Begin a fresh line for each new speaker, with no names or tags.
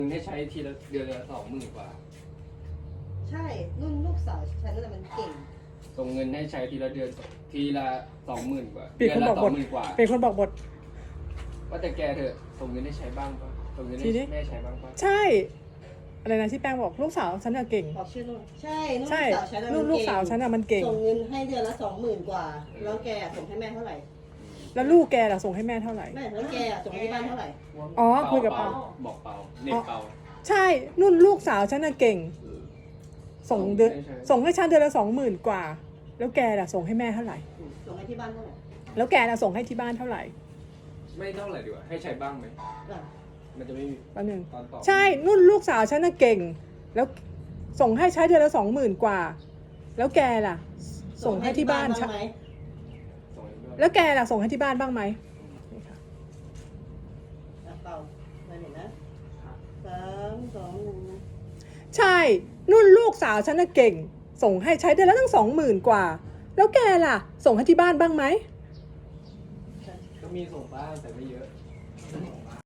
ให้ใช้ทีละเดือนละ20,000 กว่า
ใช่รุ่นลูกสาวฉันนั่นแหละมันเก่ง
ส่งเงินให้ใช้ทีละเดือนทีละ20,000 กว่า
เป็นคนบอกบท
20,000 กว่า
เป็นคนบอกบท
ว่าแต่แกเถอะส่งเงินให้ใช้บ้างปะส่งเงินให้แม่ใช้บ้างปะ
ใช่อะไรนะที่แป้งบอกลูกสาวฉันน่ะเก่ง
บอกชื่อนุ่นใช่นุ่น
ใช่
สาวฉันน่ะ
ลูกสาวฉันน่ะมันเก่ง
ส่งเงินให้เดือนละ20,000 กว่าแล้วแกส่งให้แม่เท่าไหร่
แล้วลูกแกล่ะส่งให้แม่เท่าไหร่
แม่แล้วแกส่งให้ที่บ้านเท่าไหร่
อ๋อคุยกับเปา
บอกเปาเน็ตเปา
ใช่นุ่นลูกสาวฉันน่ะเก่ง ส่งเดือนส่งให้ฉันเดือนละ20,000 กว่า แล้วแกล่ะส่งให้แม่เท่าไหร่
ส่งให้ที่บ้านเท่าไหร่
แล้วแกล่ะส่งให้ที่บ้านเท่าไหร่
ไม่เท่าไหร่ดีกว่าให้ใช้บ้างไหม
อ่ะ
มันจะไม่มี
แป๊บนึง
ตอนต่อ
ใช่นุ่นลูกสาวฉันน่ะเก่ง แล้วส่งให้ใช้เดือนละ20,000 กว่า แล้วแกล่ะ ส่งให้ที่บ้าน
บ้างไหม
ส่งให้ด้วย
แล้วแกล่ะส่งให้ที่บ้านบ้างไหมนี่ค่ะ
อ่ะเปล่ามาหนึ่งนะ3 2 1
ใช่นุ่นลูกสาวฉันน่ะเก่ง ส่งให้ใช้เดือนละตั้ง20,000 กว่า แล้วแกล่ะ ส่งให้ที่บ้านบ้างไหม
ก็มีส่งบ้างแต่ไม่เยอะ